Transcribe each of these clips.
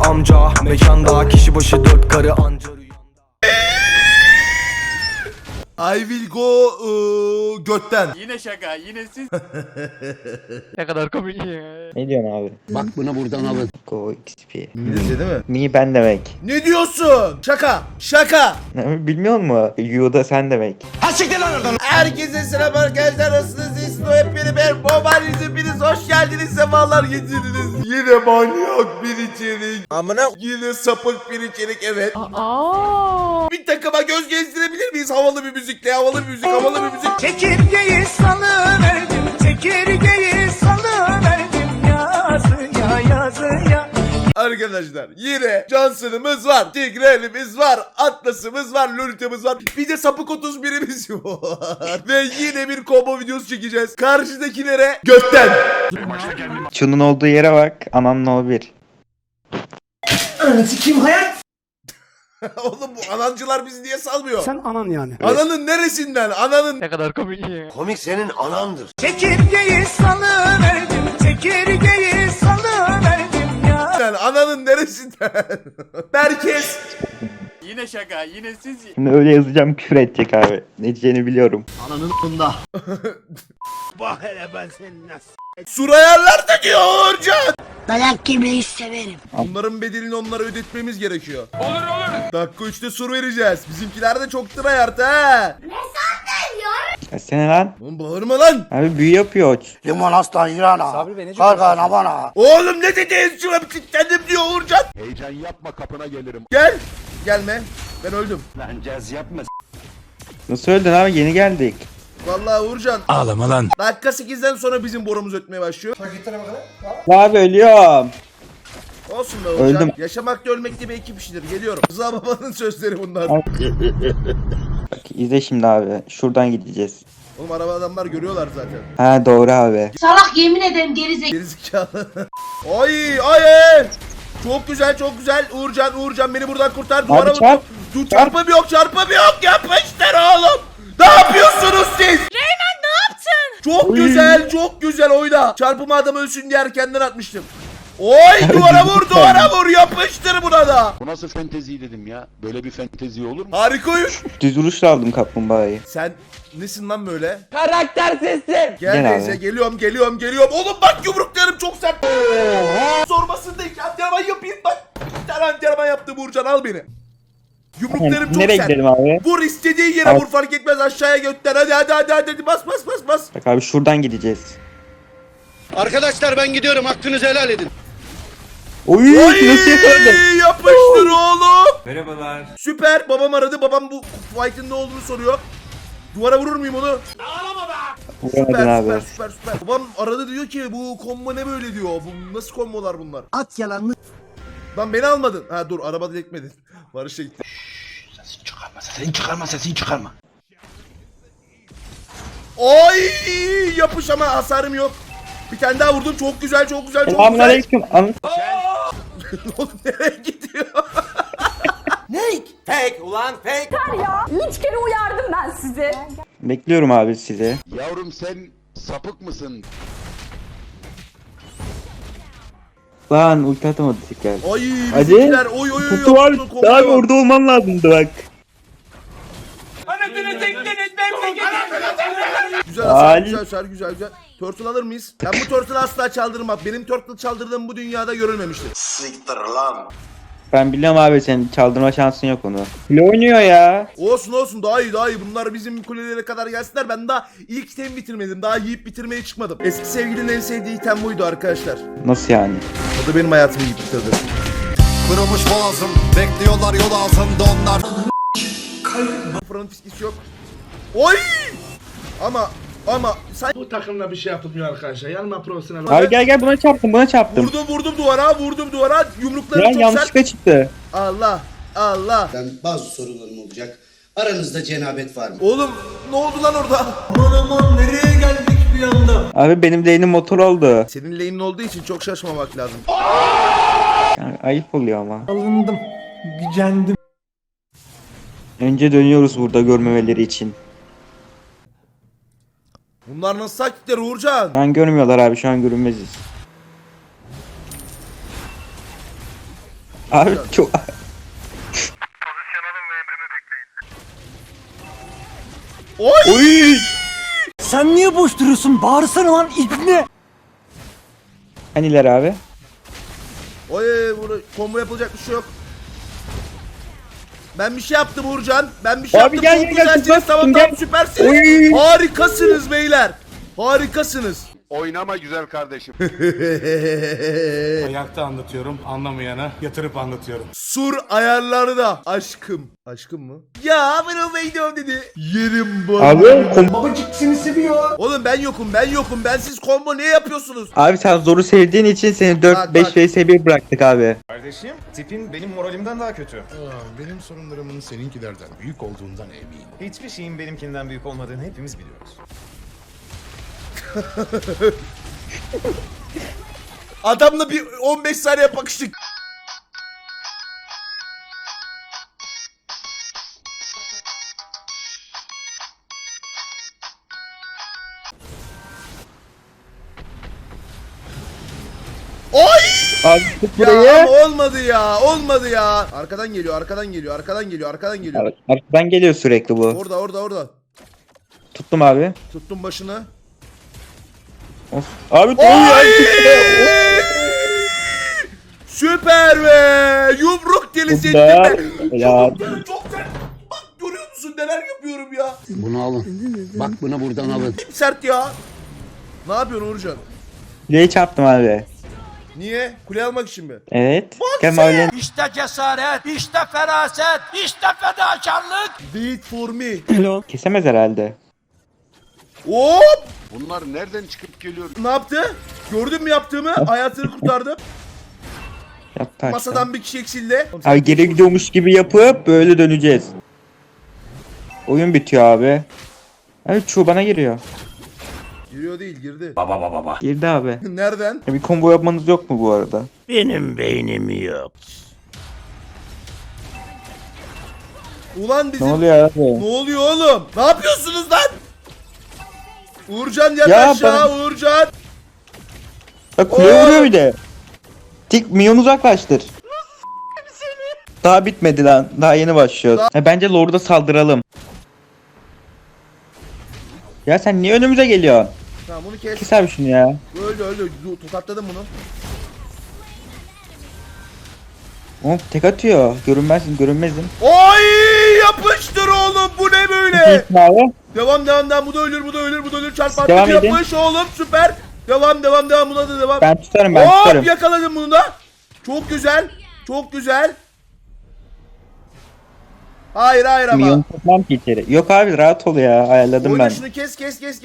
amca mekanda, kişi başı 4 karı anca rüyanda. I will go götten. Yine şaka, yine siz. Ne kadar komik ya. Ne diyorsun abi? Bak bunu buradan alın. Go XP. İngilizce değil mi? Mi ben demek. Ne diyorsun? Şaka. Şaka. Bilmiyor musun? You da sen demek. Herkese selam arkadaşlar. Nasılsınız? İsmi hepini ben. Mobile hepiniz hoş geldiniz. Sefalar getirdiniz. Yine manyak bir içerik. Amına. Yine sapık bir içerik, evet. Bir takıma göz gezdirebilir miyiz? Havalı bir müzikle. Havalı bir müzik. Havalı bir müzik. Çekirgeyi salıverdim, çekirgeyi salıverdim yazıya yazıya. Arkadaşlar yine Johnson'ımız var, Tigreal'imiz var, Atlas'ımız var, Lolita'mız var. Bir de sapık 31'imiz var. Ve yine bir combo videosu çekeceğiz. Karşıdakilere götten. Şunun olduğu yere bak. Ananın o bir. Kim hayat? Oğlum bu anancılar bizi niye salmıyor? Sen anan yani. Ananın neresinden? Ananın... Ne kadar komik ya. Komik senin anandır. Çekirgeyi salıverdim, çekirgeyi salıverdim ya. Ananın neresinden? Herkes. Yine şaka, yine siz. Şimdi öyle yazacağım, küfür edecek abi. Ne diyeceğini biliyorum. Ananın bunda. Bak hele ben seni nasıl. Surayarlar da diyor Uğurcan. Dayak yemeyi severim. Bunların bedelini onlara ödetmemiz gerekiyor. Olur. Dakika 3'te sur vereceğiz. Bizimkiler de çok tryhard ha. Ya sen lan. Oğlum bağırma lan. Abi büyü yapıyor. Limon aslan yirana. Kargana bana. Oğlum ne dedi? Şuna bir kilitlendim diyor Uğurcan. Heyecan yapma kapına gelirim. Gel. Gelme. Ben öldüm. Lan caz yapma. Nasıl öldün abi? Yeni geldik. Vallahi Uğurcan. Ağlama lan. Dakika 8'den sonra bizim borumuz ötmeye başlıyor. Abi ölüyorum. Olsun be Uğurcan. Öldüm. Yaşamak da ölmek de bir ekip işidir. Geliyorum. Rıza babanın sözleri bunlar. Bak izle şimdi abi. Şuradan gideceğiz. Oğlum araba adamlar görüyorlar zaten. Ha doğru abi. Salak yemin ederim gerizekalı. Gerizekalı. Ay ay. Çok güzel çok güzel. Uğurcan beni buradan kurtar. Duvara vur. çarp. Dur çarpım yok yapmışlar oğlum. Ne yapıyorsunuz siz? Reymen ne yaptın? Çok güzel oyna. Çarpımı adam ölsün diye erkenden atmıştım. Oy duvara vur yapıştır buna da. Bu nasıl fentezi dedim ya? Böyle bir fentezi olur mu? Harika oyun. Düz vuruşla aldım kaplumbağayı. Sen nesin lan böyle? Karaktersizsin. Gel Gel neyse abi. geliyorum. Oğlum bak yumruklarım çok sert. Sormasın da iki antrenman yapayım bak. Bir tane antrenman yaptım Uğurcan al beni. Yumruklarım çok Nereye sert. gidelim abi? Vur istediğin yere Al. vur fark etmez aşağıya götten hadi bas. Bak abi şuradan gideceğiz. Arkadaşlar ben gidiyorum hakkınızı helal edin. Oy nasıl yakaladı? Yapıştır oğlum. Merhabalar. Süper babam aradı babam bu fight'ın ne olduğunu soruyor. Duvara vurur muyum onu? Vuramadın abi. Süper. Babam aradı diyor ki bu combo ne böyle diyor. Bu nasıl kombolar bunlar? At yalanını. Lan beni almadın. Ha dur arabada dekmedin. Barış'a gitti. Sesini çıkarma. Oy yapış ama hasarım yok. Bir tane daha vurdum çok güzel. Selamünaleyküm. Oğlum nereye gidiyor? Ya 3 kere uyardım ben sizi. Bekliyorum abi sizi. Yavrum sen sapık mısın? Lan ulti atamadı tekrar. Ay Hadi. bizimkiler oy Kutu var. kombo Abi var. orada olman lazımdı bak. Güzel hasar, Ali. güzel. Turtle alır mıyız? Ben bu turtle'ı asla çaldırmam. Benim turtle çaldırdığım bu dünyada görülmemiştir. Siktir lan. Ben biliyorum abi senin çaldırma şansın yok onu. Ne oynuyor ya? Olsun daha iyi. Bunlar bizim kulelere kadar gelsinler. Ben daha ilk itemi bitirmedim. Daha yiyip bitirmeye çıkmadım. Eski sevgilinin en sevdiği item buydu arkadaşlar. Nasıl yani? O da benim hayatımı yiyip bitirdi. Kırılmış boğazım, bekliyorlar yol ağzımda onlar. Fırın fiskisi yok. Oy! Ama sen Bu takımla bir şey yapılmıyor arkadaşlar. Yanıma profesyonel. Abi gel buna çarptım. vurdum duvara. Yumruklarım Ya çok yanlışlıkla sert. çıktı. Allah. Bazı sorularım olacak. Aranızda cenabet var mı? Oğlum ne oldu lan orada? Aman nereye geldik bir anda? Abi benim lane'im motor oldu. Senin lane'in olduğu için çok şaşmamak lazım. Yani ayıp oluyor ama. Alındım. Gücendim. Önce dönüyoruz burada görmemeleri için. Bunlar nasıl taktikler Uğurcan? Şu an görmüyorlar abi, şu an görünmeziz. Abi çok... Oy! Sen niye boş duruyorsun? Bağırsana lan ibne. Haniler abi? Oy bunu combo yapılacak bir şey yok. Ben bir şey yaptım Uğurcan. Ben bir şey Abi yaptım. gel, Çok gel, gel, güzelsiniz. tut, Tamam gel. tamam süpersiniz. Oy. Harikasınız beyler. Harikasınız. Oynama güzel kardeşim. Ayakta anlatıyorum, anlamayana yatırıp anlatıyorum. Sur ayarları da aşkım. Aşkım mı? Ya ben o gidiyorum dedi. Yerim bu. Abi Babacık seni seviyor. Oğlum ben yokum ben yokum. Bensiz combo ne yapıyorsunuz? Abi sen zoru sevdiğin için seni Bak, 4-5 bak. vs 1 bıraktık abi. Kardeşim, tipin benim moralimden daha kötü. Benim sorunlarımın seninkilerden büyük olduğundan eminim. Hiçbir şeyin benimkinden büyük olmadığını hepimiz biliyoruz. Adamla bir 15 saniye bakıştık. Oy! Abi tut Ya burayı. ama olmadı ya. Olmadı ya. Arkadan geliyor, arkadan geliyor, arkadan geliyor, arkadan geliyor. Arkadan geliyor sürekli bu. Orada, orada, orada. Tuttum abi. Tuttum başını. Of. Abi Oy! Süper be! Yumruk delisi ettim be. Helal. Çok sert. Bak görüyor musun neler yapıyorum ya. Bunu alın. Bak bunu buradan alın. Çok sert ya. Ne yapıyorsun Uğurcan? Kuleyi çarptım abi. Niye? Kule almak için mi? Evet. Kemal'in İşte cesaret, işte feraset, işte fedakarlık. Wait for me. kesemez herhalde. Hop! Bunlar nereden çıkıp geliyor? Ne yaptı? Gördün mü yaptığımı? Hayatını kurtardım. Yaptı Masadan bir kişi eksildi. Abi geri gidiyormuş gibi yapıp böyle döneceğiz. Oyun bitiyor abi. Abi çoğu bana giriyor. Giriyor değil, girdi. Girdi abi. Nereden? Bir combo yapmanız yok mu bu arada? Benim beynim yok. Ulan Ne bizim... oluyor abi? Ne oluyor oğlum? Ne yapıyorsunuz lan? Uğurcan yat Ya aşağı Uğurcan. Bak kuleye vuruyor bir de. Tik minyon uzaklaştır. Daha bitmedi lan. Daha yeni başlıyoruz. Bence Lord'a saldıralım. Ya sen niye önümüze geliyorsun? Tamam bunu kes. Kes abi şunu ya. Öldü öldü. Tokatladım bunu. Oğlum tek atıyor. Görünmezim. Oy yapıştır oğlum bu ne böyle? Abi. Devam devam devam bu da ölür bu da ölür bu da ölür çarp Devam artık edin. yapış oğlum süper. Devam devam devam buna da devam. Ben tutarım ben Hop tutarım. yakaladım bunu da. Çok güzel. Çok güzel. Hayır hayır ama. Minyon tutmam ki içeri. Yok abi rahat ol ya. Ayarladım Oyna ben. şunu kes.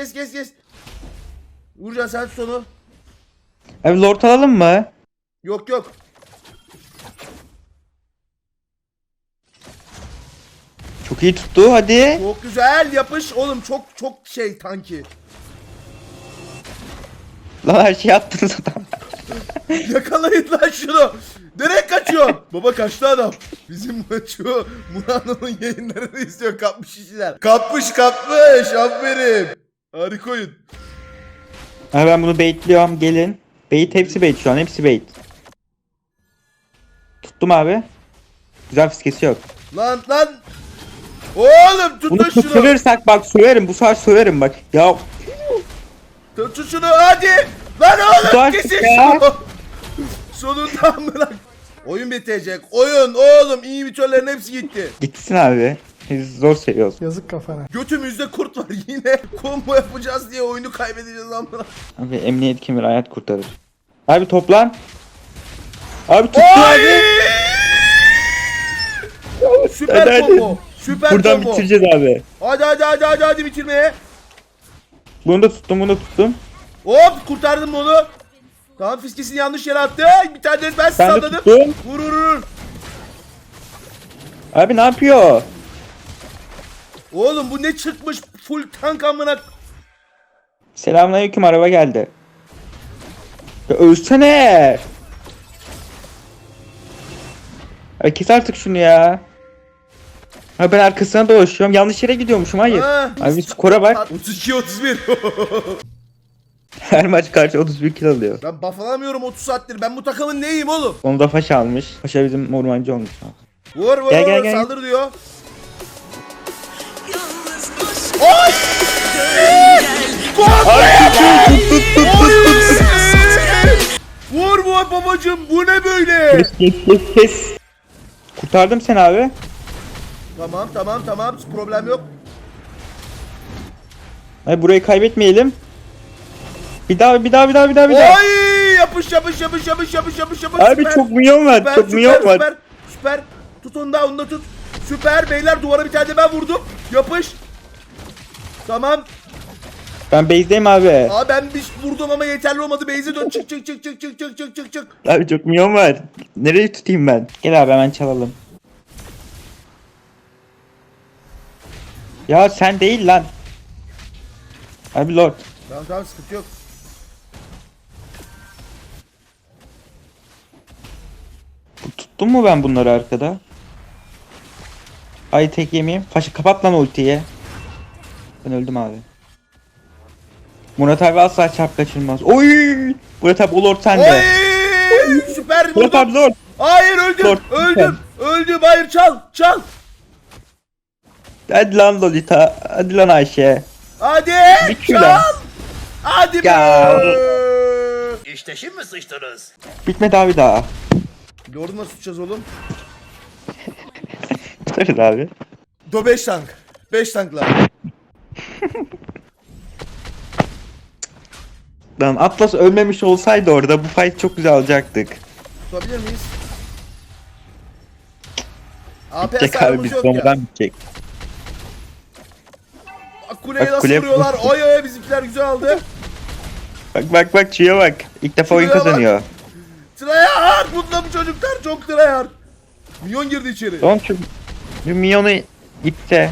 Uğurcan sen tut onu. Abi Lord alalım mı? Yok yok. Çok iyi tuttu hadi. Çok güzel yapış oğlum çok şey tanki. Lan her şeyi attınız adam. Yakalayın lan şunu. Nereye kaçıyorsun? Baba kaçtı adam. Bizim şu Murano'nun yayınlarını izliyor kapmış işler. Kapmış aferin. Harika oyun. Abi ben bunu baitliyorum gelin. Bait hepsi bait şu an hepsi bait. Tuttum abi. Güzel fiskesi yok. Lan. Oğlum Bunu tutun şunu. tutturursak bak söverim bu sefer söverim bak. Ya Tutun şunu hadi. Lan oğlum Tutar kesin ya. şunu. Sonunda bırak. Oyun bitecek. Oyun oğlum inhibitörlerin hepsi gitti. gitsin abi. Biz zor seviyoruz. Yazık kafana. Götümüzde kurt var yine. Combo yapacağız diye oyunu kaybedeceğiz amına. Abi emniyet kemeri hayat kurtarır. Abi toplan. Abi tuttu Oy! abi. Süper Hadi, combo. Süper Buradan combo. bitireceğiz abi. Hadi bitirmeye. Bunu da tuttum. Hop kurtardım onu. Tamam fiskesini yanlış yere attı. Bir tane de ben Ben de salladım. tuttum. Vur. Abi ne yapıyor? Oğlum bu ne çıkmış full tank amına. Selamünaleyküm araba geldi. Ya ölsene. Abi kes artık şunu ya. Abi ben arkasına dolaşıyorum. Yanlış yere gidiyormuşum hayır. Ha. Abi skora bak. 32-31. Her maç karşı 31 kill alıyor. Ben buff alamıyorum 30 saattir. Ben bu takımın neyim oğlum? Onu da Paşa almış. Paşa bizim ormancı olmuş. Vur vur Gel, gel, vur gel. saldır diyor. Oy! Vur vur babacım bu ne böyle? Kes. Kurtardım seni abi. Tamam problem yok. Hayır, burayı kaybetmeyelim. Bir daha. Oy yapış. Abi Süper. çok milyon var. Süper. Tut onu da tut. Süper beyler duvara bir tane de ben vurdum. Yapış. Tamam. Ben base'deyim abi. Aa ben bir vurdum ama yeterli olmadı. Beyze dön çık. Abi çok milyon var. Nereye tutayım ben? Gel abi hemen çalalım. Ya sen değil lan. Abi Lord. Tamam sıkıntı yok. Tuttum mu ben bunları arkada? Ay tek yemeyeyim. Paşa kapat lan ultiyi. Ben öldüm abi. Murat abi asla çarp kaçırmaz. Oy! Murat abi o Lord sende. Oy! Süper Murat abi vurdum. Lord. Hayır öldüm. Lord, Öldüm. Hayır çal. Hadi lan Lolita. Hadi lan Ayşe. Hadi Bir kilo. çal. Hadi be. Ya. İşte şimdi sıçtınız. Bitmedi abi daha. Lord'u nasıl tutacağız oğlum? Tutarız abi. 5 tank. 5 tankla. Lan Atlas ölmemiş olsaydı orada bu fight çok güzel alacaktık. Tutabilir miyiz? AP Bitecek abi hasarımız biz yok ya. bombadan bitecek. Kuleye Bak, nasıl kule- vuruyorlar? Oy bizimkiler güzel aldı. Bak çiğe bak. İlk defa oyun Şuraya bak. kazanıyor. Tryhard! Bunda bu çocuklar çok tryhard. Minyon girdi içeri. Tamam şu minyonu ipte.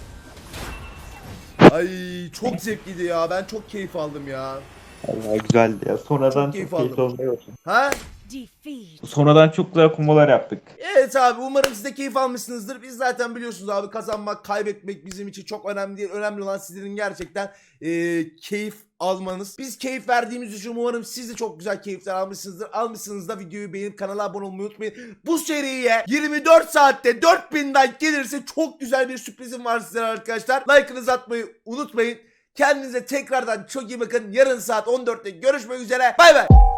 Ay çok zevkliydi ya. Ben çok keyif aldım ya. Allah güzeldi ya. Sonradan Çok keyif çok keyifli aldım. oldu. Ha? Sonradan çok güzel kombolar yaptık. Evet abi umarım siz de keyif almışsınızdır. Biz zaten biliyorsunuz abi kazanmak, kaybetmek bizim için çok önemli değil. Önemli olan sizlerin gerçekten keyif almanız. Biz keyif verdiğimiz için umarım siz de çok güzel keyifler almışsınızdır. Almışsınız da videoyu beğenip kanala abone olmayı unutmayın. Bu seriye 24 saatte 4000 like gelirse çok güzel bir sürprizim var sizlere arkadaşlar. Like'ınızı atmayı unutmayın. Kendinize tekrardan çok iyi bakın. Yarın saat 14'te görüşmek üzere. Bay bay.